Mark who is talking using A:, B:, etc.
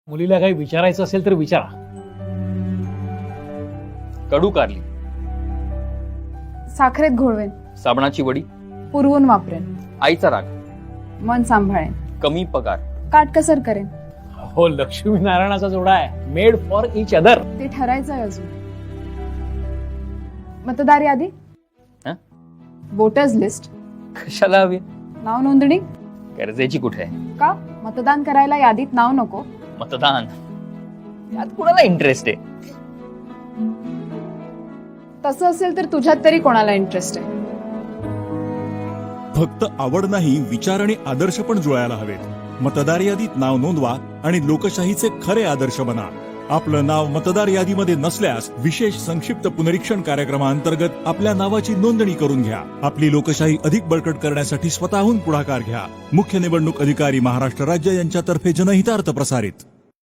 A: मुलीला काही विचारायचं असेल तर विचारा.
B: कडू कारली,
C: साखरेत घोळवेन,
B: साबणाची वडी,
C: पुरवून वापरेन,
B: आईचा राग,
C: मन सांभाळेन,
B: कमी पगार,
C: काटकसर करेन.
A: हो, लक्ष्मी नारायणाचा जोडा आहे, मेड फॉर इच अदर.
C: ते ठरायचंय अजून. मतदार यादी,
B: हं?
C: वोटर्स लिस्ट,
B: कशाला हवी?
C: नाव नोंदणी.
B: गरजेची कुठे आहे?
C: का मतदान करायला यादीत नाव नको?
B: मतदान यात कुणाला इंटरेस्ट आहे?
C: तसं असेल तर तुझ्यात तरी कोणाला इंटरेस्ट आहे?
D: फक्त आवड नाही, विचार आणि आदर्श पण जुळायला हवेत. मतदार यादीत नाव नोंदवा आणि लोकशाहीचे खरे आदर्श बना. आपलं नाव मतदार यादीमध्ये नसल्यास विशेष संक्षिप्त पुनरीक्षण कार्यक्रमाअंतर्गत आपल्या नावाची नोंदणी करून घ्या. आपली लोकशाही अधिक बळकट करण्यासाठी स्वतःहून पुढाकार घ्या. मुख्य निवडणूक अधिकारी महाराष्ट्र राज्य यांच्यातर्फे जनहितार्थ प्रसारित.